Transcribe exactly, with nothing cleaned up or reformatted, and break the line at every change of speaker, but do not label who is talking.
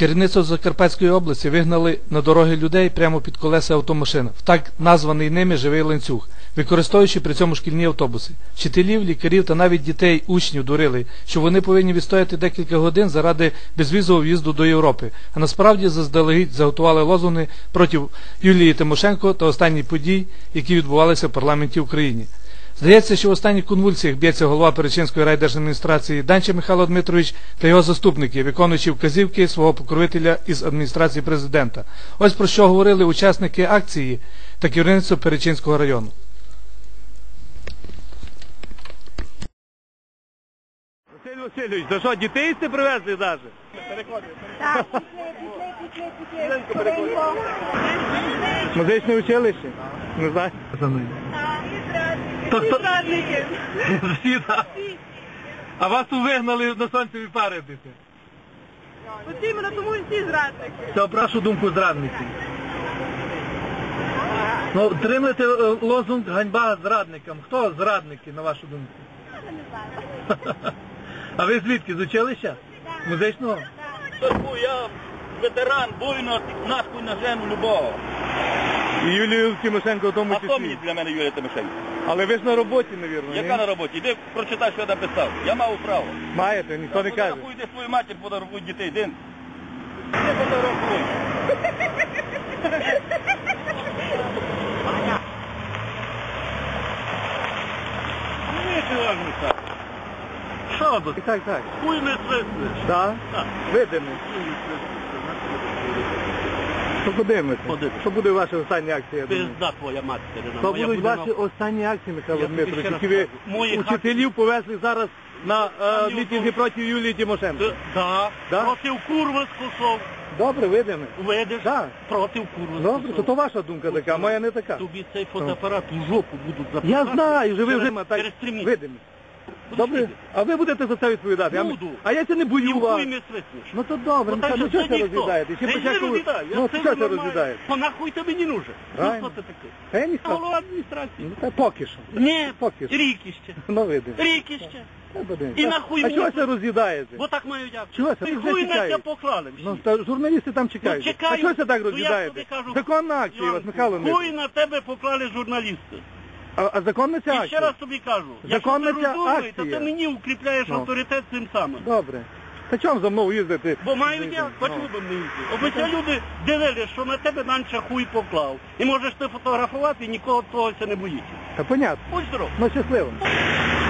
Керівництво Закарпатської області вигнали на дороги людей прямо під колеса автомашин, в так названий ними живий ланцюг, використовуючи при цьому шкільні автобуси. Вчителів, лікарів та навіть дітей, учнів дурили, що вони повинні відстояти декілька годин заради безвізового в'їзду до Європи, а насправді заздалегідь заготували лозунги проти Юлії Тимошенко та останніх подій, які відбувалися в парламенті України. Здається, що в останніх конвульсіях б'ється голова Перечинської райдержадміністрації Данча Михайло Дмитрович та його заступники, виконуючи вказівки свого покровителя із адміністрації президента. Ось про що говорили учасники акції та керівництво Перечинського району.
Василь Васильович, то що, дітей сте привезли навіть?
Так, пішли, пішли, пішли, пішли.
Музичне училище? Не знаю.
Всі зрадники.
Всі, так. А вас вигнали на сонцеві паритися.
От іменно тому і всі зрадники.
Це, про вашу думку, зрадниці. Ну, тримайте лозунг «Ганьба зрадникам». Хто зрадники, на вашу думку?
Я не знаю.
А ви звідки, з училища? Музичного?
Я ветеран бойно, нахуй на жену любого.
І Юлію Тимошенко в тому
А хто мені
числі.
для мене Юлія Тимошенко?
Але ви ж на роботі, мабуть,
Яка на роботі? Іди прочитай, що я написав. Я мав право.
Маєте, ніхто не каже.
Фотографуй, йди свою матір, фотографуй дітей, йди. Не фотографуй. Ну, ти важно так. Що тут?
Так, так.
Хуй не свиснеш.
Так?
Так.
Видимо. Що подивимося?
Подивимося.
Що буде ваша остання акція? я думаю?
Пизда твоя материна.
Що
моя
будуть
буде
ваші
на-
останні акції, Михайло
Я тобі
Дмитрович,
ще раз
які ви
кажу. Мої
учителів повезли зараз на е,
Там
мітинги
ні
проти Юлії Тимошенко?
Т- Да.
Да?
Проти курва скусов.
Добре, видимо.
Видиш?
Да.
Проти курва
Добре,
скусов.
то, то ваша думка така, моя не така.
Тобі цей фотоапарат у жопу будуть запускати.
Я знаю, що ви вже
через,
так
через три місяці.
видимо. Добре, а ви будете за це відповідати? А ми-
Буду.
А я це не
І
бою
в
вас.
хуй не свиснеш.
Ну то добре,
Ну,
ну,
так
ну
що,
що
це
це
ніхто.
розглядаєте? Ще
Та я
початку...
не розглядаю, я
Ну,
це
що це
нормально.
розглядаєте?
То нахуй тобі не нужен. Ну,
Правильно.
що ти такий?
Та я ніхто.
Голова адміністрації.
Ну, та поки що.
Ні,
Поки що.
рікіще.
Ну, видимо.
Рікіще.
Та подивимось.
І
А-
нахуй
А
мені
чого
це?
це роз'їдаєте?
Бо так маю як.
Чого це?
І
Вже
хуй на
чекають.
тебе поклали всі.
Ну, та журналісти там чекають.
Ну, чекаю.
А чого це так
Ну, я
роз'їдаєте?
тобі кажу,
Законна акція у вас,
Іванку,
Михайло
хуй
Дмитрович.
на тебе поклали журналісти.
А, а законна ця
І ще
акція?
раз тобі кажу,
Законна
якщо ти
ця
розумний, то
акція.
ти мені укріпляєш
Ну.
авторитет цим самим.
Добре. Та чому за мною їздити?
Бо мають я,
Ну.
почему би не їздити? Аби ці люди дивились, що на тебе Данча хуй поклав. І можеш ти фотографувати, і нікого того це не боїться.
Та понятно.
Будь здоров.
Ну, щасливо.